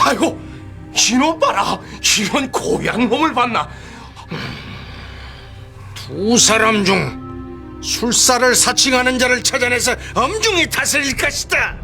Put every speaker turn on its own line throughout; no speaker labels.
아이고, 이놈 봐라. 이런 고얀 놈을 봤나. 두 사람 중 술사를 사칭하는 자를 찾아내서 엄중히 다스릴 것이다.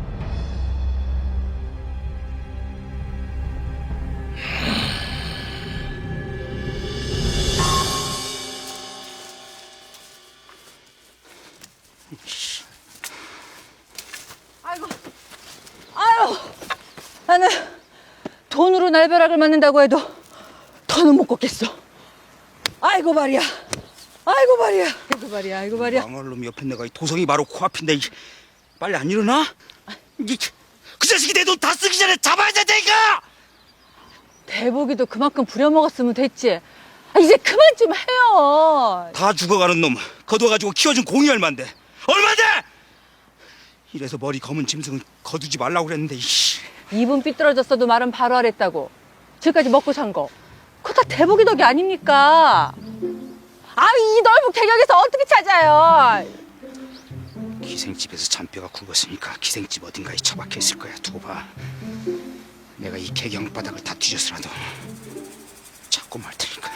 아유, 나는 돈으로 날벼락을 맞는다고 해도 더는 못 걷겠어. 아이고 말이야. 아이고 말이야. 아이고 말이야. 아이고 말이야.
망할 놈 옆에 내가 이 도성이 바로 코앞인데 빨리 안 일어나? 그 자식이 내 돈 다 쓰기 전에 잡아야 된다니까!
대복이도 그만큼 부려먹었으면 됐지. 이제 그만 좀 해요.
다 죽어가는 놈 거둬가지고 키워준 공이 얼만데? 얼만데? 이래서 머리 검은 짐승은 거두지 말라고 그랬는데
입은 삐뚤어졌어도 말은 바로 하랬다고. 지금까지 먹고 산 거. 그거 다 대복이 덕이 아닙니까? 이 넓은 개경에서 어떻게 찾아요?
기생집에서 잔뼈가 굵었으니까 기생집 어딘가에 처박혀 있을 거야. 두고 봐. 내가 이 개경 바닥을 다 뒤져서라도 찾고 말 테니까.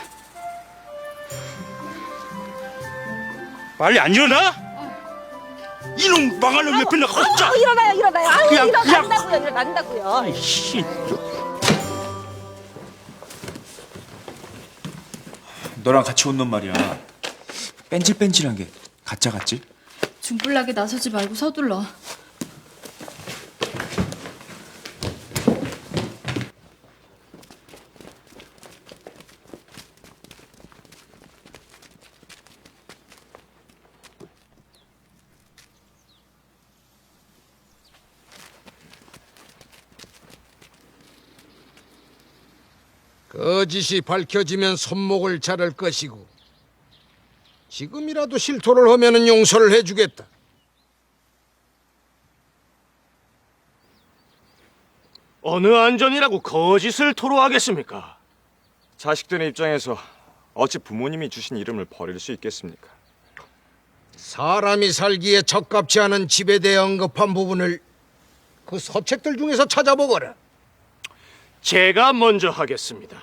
빨리 안 일어나? 이놈 망할 놈 옆에 내가 혼자.
일어나요.
그냥,
일어난다고요.
아이씨.
너랑 같이 온 놈 말이야. 뺀질뺀질한 게 가짜 같지?
중불나게 나서지 말고 서둘러.
거짓이 밝혀지면 손목을 자를 것이고 지금이라도 실토를 하면은 용서를 해주겠다.
어느 안전이라고 거짓을 토로하겠습니까? 자식들의 입장에서 어찌 부모님이 주신 이름을 버릴 수 있겠습니까?
사람이 살기에 적합치 않은 집에 대해 언급한 부분을 그 서책들 중에서 찾아보거라.
제가 먼저 하겠습니다.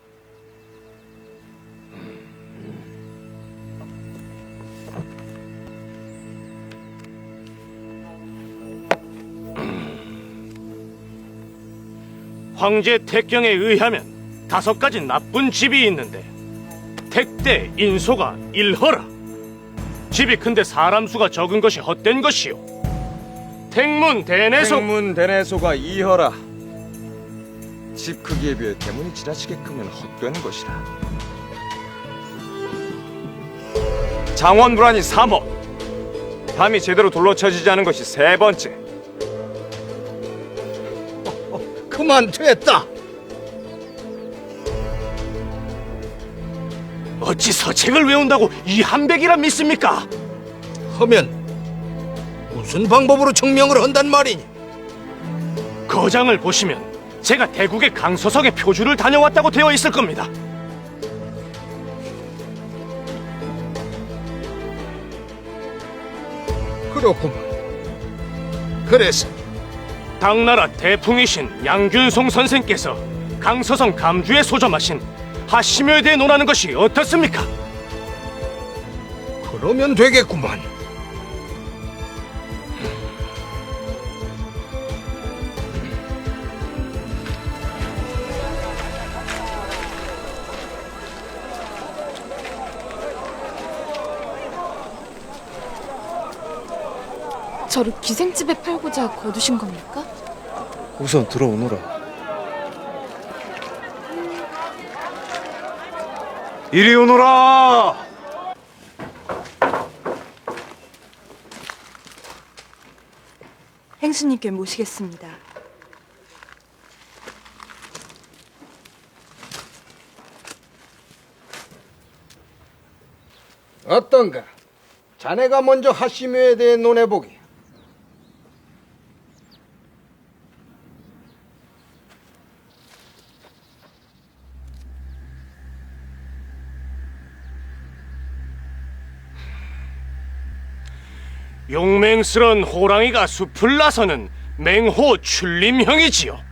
황제 택경에 의하면 5가지 나쁜 집이 있는데 택대, 인소가 일허라. 집이 큰데 사람 수가 적은 것이 헛된 것이요. 택문, 대내소.
행문 대내소가 이허라. 집 크기에 비해 대문이 지나치게 크면 헛되는 것이라. 장원불안이 3호. 담이 제대로 둘러쳐지지 않은 것이 3번째.
그만 됐다.
어찌 서책을 외운다고 이 한백이라 믿습니까?
하면 무슨 방법으로 증명을 한단 말이니?
거장을 보시면 제가 대국의 강서성에 표주를 다녀왔다고 되어 있을 겁니다.
그렇구만. 그래서
당나라 대풍이신 양균송 선생께서 강서성 감주에 소점하신 하심여에 대해 논하는 것이 어떻습니까?
그러면 되겠구만.
저를 기생집에 팔고자 거두신 겁니까?
우선 들어오너라.
이리 오너라.
행수님께 모시겠습니다.
어떤가? 자네가 먼저 하심여에 대해 논해보게.
용맹스런 호랑이가 숲을 나서는 맹호 출림형이지요.